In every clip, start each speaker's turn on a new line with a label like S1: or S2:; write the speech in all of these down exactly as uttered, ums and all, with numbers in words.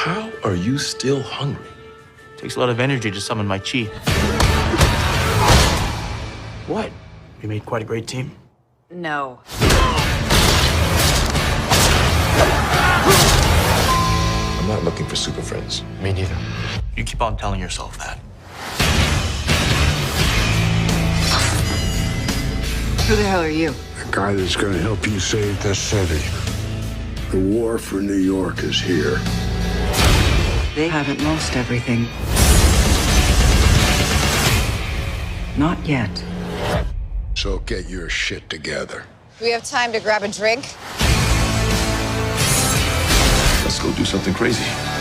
S1: How are you still hungry?
S2: Takes a lot of energy to summon my chi. What? We made quite a great team.
S3: No.
S1: I'm not looking for super friends.
S2: Me neither. You keep on telling yourself that.
S3: Who the hell are you?
S4: The guy that's gonna help you save this city. The war for New York is here.
S3: They haven't lost everything. Not yet.
S4: So get your shit together.
S5: Do we have time to grab a drink?
S1: Let's go do something crazy.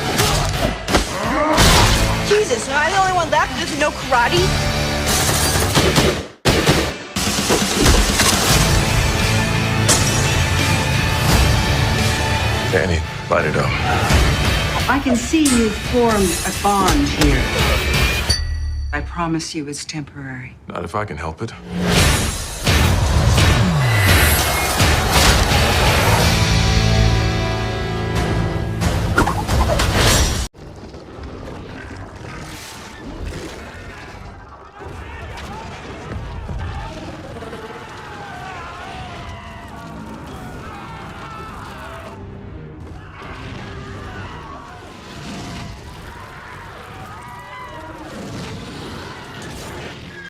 S6: Jesus, am I the only one left who doesn't know karate?
S1: Danny, light it up.
S3: I can see you've formed a bond here. I promise you it's temporary.
S1: Not if I can help it.